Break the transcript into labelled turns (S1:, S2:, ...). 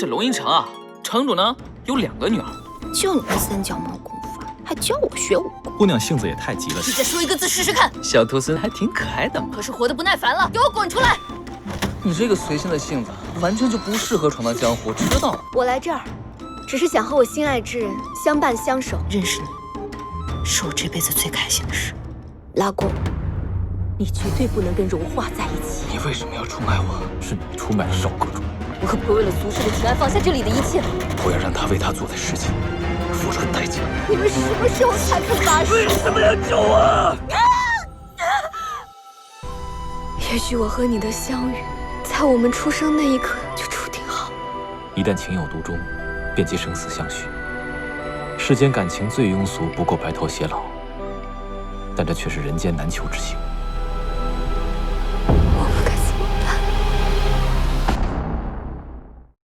S1: 这龙吟城啊，城主呢有2个女儿，
S2: 就你这三脚猫功夫，还教我学武功？
S3: 姑娘性子也太急了。
S2: 你再说一个字试试看。
S1: 小兔孙还挺可爱的嘛。
S2: 可是活得不耐烦了，给我滚出来！
S1: 你这个随性的性子，完全就不适合闯荡江湖，知道吗？
S4: 我来这儿，只是想和我心爱之人相伴相守。
S2: 认识你，是我这辈子最开心的事。
S4: 老公，你绝对不能跟荣华在一起。
S1: 你为什么要出卖我？
S3: 是你出卖了少公主，
S4: 我可不会为了俗世的情爱放下这里的一切。
S3: 我要让她为她做的事情付出代价。
S4: 你们什么时候才肯发誓？
S1: 为什么要救我？
S4: 也许我和你的相遇，在我们出生那一刻就注定好。
S3: 一旦情有独钟，便即生死相许。世间感情最庸俗不过白头偕老，但这却是人间难求之情。